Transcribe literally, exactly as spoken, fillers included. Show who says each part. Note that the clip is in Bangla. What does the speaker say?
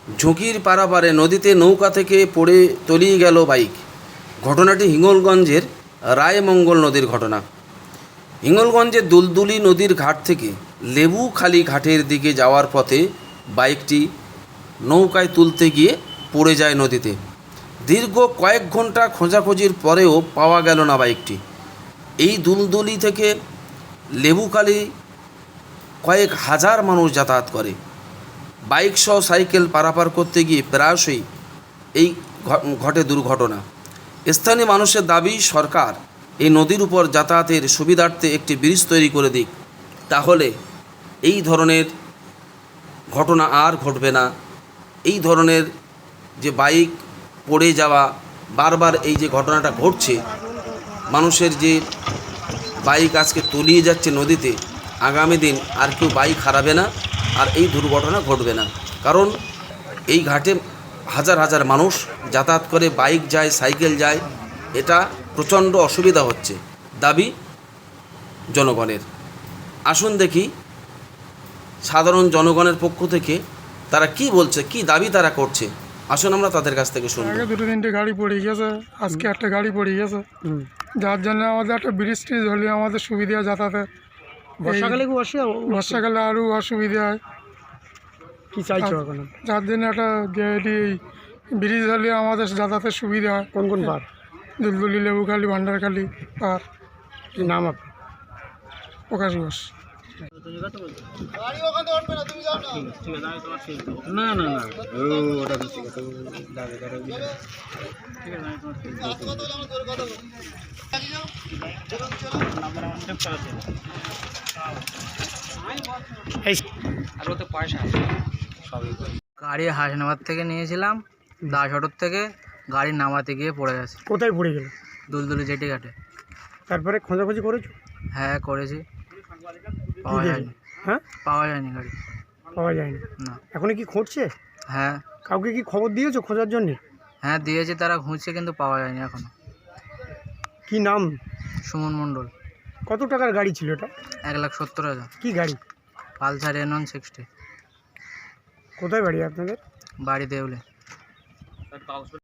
Speaker 1: ঝুঁকির পারাপারে নদীতে নৌকা থেকে পড়ে তলিয়ে গেল বাইক। ঘটনাটি হিঙ্গলগঞ্জের রায়মঙ্গল নদীর ঘটনা। হিঙ্গলগঞ্জের দুলদুলি নদীর ঘাট থেকে লেবুখালী ঘাটের দিকে যাওয়ার পথে বাইকটি নৌকায় তুলতে গিয়ে পড়ে যায় নদীতে। দীর্ঘ কয়েক ঘন্টা খোঁজাখুঁজির পরেও পাওয়া গেল না বাইকটি। এই দুলদুলি থেকে লেবুখালী কয়েক হাজার মানুষ যাতায়াত করে। বাইক সহ সাইকেল পারাপার করতে গিয়ে প্রায়শই এই ঘটে দুর্ঘটনা। স্থানীয় মানুষের দাবি, সরকার এই নদীর উপর যাতায়াতের সুবিধার্থে একটি ব্রিজ তৈরি করে দিক, তাহলে এই ধরনের ঘটনা আর ঘটবে না। এই ধরনের যে বাইক পড়ে যাওয়া, বারবার এই যে ঘটনাটা ঘটছে, মানুষের যে বাইক আজকে তলিয়ে যাচ্ছে নদীতে, আগামী দিন আর কেউ বাইক হারাবে না, আর এই দুর্ঘটনা ঘটবে না। কারণ এই ঘাটে হাজার হাজার মানুষ যাতায়াত করে, বাইক যায়, সাইকেল যায়, এটা প্রচণ্ড অসুবিধা হচ্ছে। দাবি জনগণের। আসুন দেখি সাধারণ জনগণের পক্ষ থেকে তারা কি বলছে, কি দাবি তারা করছে। আসুন আমরা তাদের কাছ থেকে শুনবো।
Speaker 2: আগে দুটো তিনটে গাড়ি পড়ে গেছে, আজকে একটা গাড়ি পড়ে গেছে, যার জন্য আমাদের একটা ব্রিজ ট্রিজ হলে আমাদের সুবিধা যাতায়াতে।
Speaker 3: বর্ষাকালে খুব অসুবিধা,
Speaker 2: বর্ষাকালে আরও অসুবিধা হয়।
Speaker 3: কি চাইছো এখন?
Speaker 2: যার জন্য একটা ব্রিজ হলে আমাদের যাতায়াতের সুবিধা হয়।
Speaker 3: কোন কোন পার?
Speaker 2: দুলদুলি, লেবুখালী, ভান্ডারখালী পার।
Speaker 3: কি নাম আপনার?
Speaker 2: প্রকাশ ঘোষ।
Speaker 3: না না না
Speaker 4: গাড়ি হাসনাবাদ থেকে নিয়েছিলাম, দাস অটোর থেকে গাড়ি নামাতে গিয়ে পড়ে গেছে।
Speaker 3: কোথায় পড়ে গেল?
Speaker 4: দুলদুলি জেটি ঘাটে।
Speaker 3: তারপরে খোঁজাখুঁজি করেছো?
Speaker 4: হ্যাঁ করেছি, পাওয়া যায়নি।
Speaker 3: হ্যাঁ,
Speaker 4: পাওয়া যায়নি গাড়ি,
Speaker 3: পাওয়া যায়নি।
Speaker 4: না।
Speaker 3: এখনো কি খুঁজছে?
Speaker 4: হ্যাঁ
Speaker 3: কাউকে কি খবর দিয়েছো খোঁজার জন্য?
Speaker 4: হ্যাঁ দিয়েছি, তারা খুঁজছে কিন্তু পাওয়া যায়নি এখনো।
Speaker 3: কি নাম?
Speaker 4: সুমন মণ্ডল।
Speaker 3: কত টাকার গাড়ি ছিল এটা?
Speaker 4: এক লাখ সত্তর হাজার।
Speaker 3: কি গাড়ি?
Speaker 4: Pulsar N one sixty.
Speaker 3: কোথায় বাড়ি আপনাদের?
Speaker 4: বাড়ি দেউলে।